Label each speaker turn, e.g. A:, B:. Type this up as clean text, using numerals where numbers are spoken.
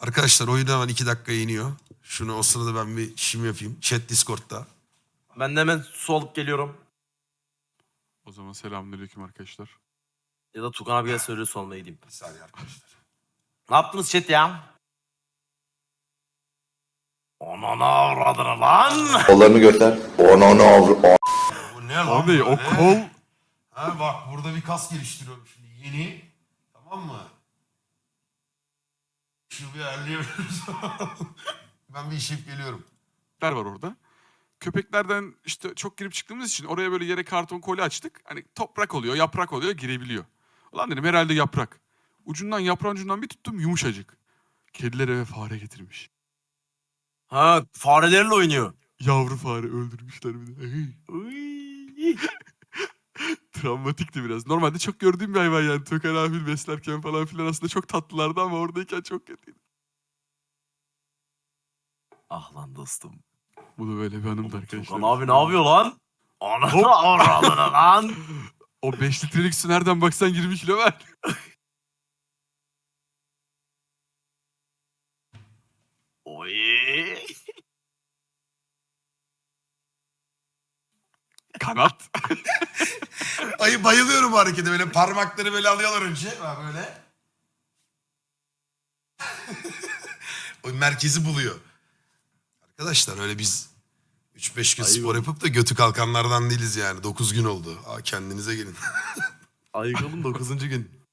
A: Arkadaşlar oyun hemen 2 dakika iniyor. Şunu o sırada ben bir işimi yapayım. Chat Discord'da.
B: Ben de hemen su alıp geliyorum.
C: O zaman selamünaleyküm arkadaşlar.
B: Ya da Tukan abiye söyle su almaya gideyim.
A: Bir saniye arkadaşlar.
B: Ne yaptınız chat ya? Anana avradını lan.
D: Kollarını göster. Onu
A: Bu ne lan?
C: O ne?
A: böyle?
C: O kol.
A: Ha bak burada bir kas geliştiriyorum şimdi. Yeni. Tamam mı? Şu bir ayarlayabiliriz. Ben bir işip geliyorum.
C: Var orada. Köpeklerden işte çok girip çıktığımız için oraya böyle yere karton koli açtık. Hani toprak oluyor, yaprak oluyor, girebiliyor. Ulan dedim herhalde yaprak. Yaprağın ucundan bir tuttum yumuşacık. Kediler eve fare getirmiş.
B: Ha farelerle oynuyor.
C: Yavru fare öldürmüşler bir de.
B: Uy.
C: Travmatikti biraz. Normalde çok gördüğüm bir hayvan yani. Töken abi beslerken falan filan aslında çok tatlılardı ama oradayken çok kötüydü.
B: Ah lan dostum.
C: Bu da böyle bir anımdı arkadaşlar.
B: Tukan abi ne yapıyor lan? Anana avradını lan.
C: O 5 litrelik su nereden baksan 20 kilo ver.
B: Oy.
C: Kanat.
A: Ay bayılıyorum bu harekete. Böyle parmakları böyle alıyorlar önce. Ha böyle. O merkezi buluyor. Arkadaşlar öyle biz 3-5 gün
B: Ayıp
A: spor
B: oldu.
A: yapıp da götü kalkanlardan değiliz yani. 9 gün oldu. Aa, kendinize gelin.
B: Ayıkalım 9. gün.